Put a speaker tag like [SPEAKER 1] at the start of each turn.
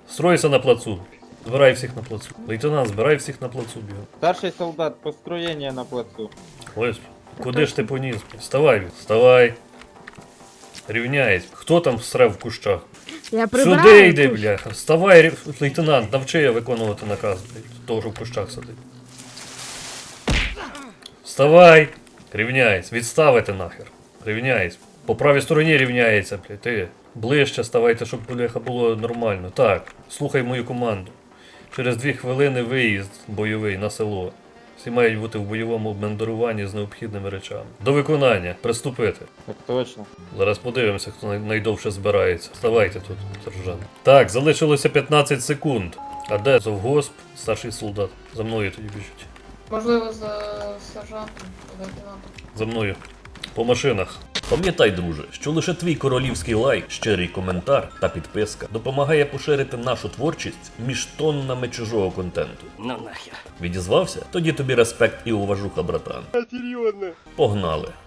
[SPEAKER 1] Стройся на плацу. Збирай всіх на плацу. Лейтенант, збирай всіх на плацу бігом.
[SPEAKER 2] Старший солдат, построєння на плацу.
[SPEAKER 1] Ось, куди ж ти поніс? Вставай, вставай. Рівняйся. Хто там всрав в кущах?
[SPEAKER 3] Я прибираю.
[SPEAKER 1] Сюди йди,
[SPEAKER 3] кущ.
[SPEAKER 1] бляха. Вставай, лейтенант, навчи я виконувати наказ, блядь. Того, що в кущах сидить. Вставай. Рівняйся. Відставити нахер. Рівняйся. По правій стороні рівняється, блядь. Ти ближче ставайте, щоб, бляха, було нормально. Так, слухай мою команду. Через 2 хвилини виїзд бойовий на село. Всі мають бути в бойовому обмундируванні з необхідними речами. До виконання. Приступити.
[SPEAKER 2] Так точно.
[SPEAKER 1] Зараз подивимося, хто найдовше збирається. Вставайте тут, сержант. Так, залишилося 15 секунд. А де завгосп, старший солдат? За мною тоді біжуть.
[SPEAKER 4] Можливо, за сержантом, лейтенантом.
[SPEAKER 1] За мною. По машинах. Пам'ятай, друже, що лише твій королівський лайк, щирий коментар та підписка допомагає поширити нашу творчість між тоннами чужого контенту.
[SPEAKER 5] Ну нахер.
[SPEAKER 1] Відізвався? Тоді тобі респект і уважуха, братан. Серйозно? Погнали.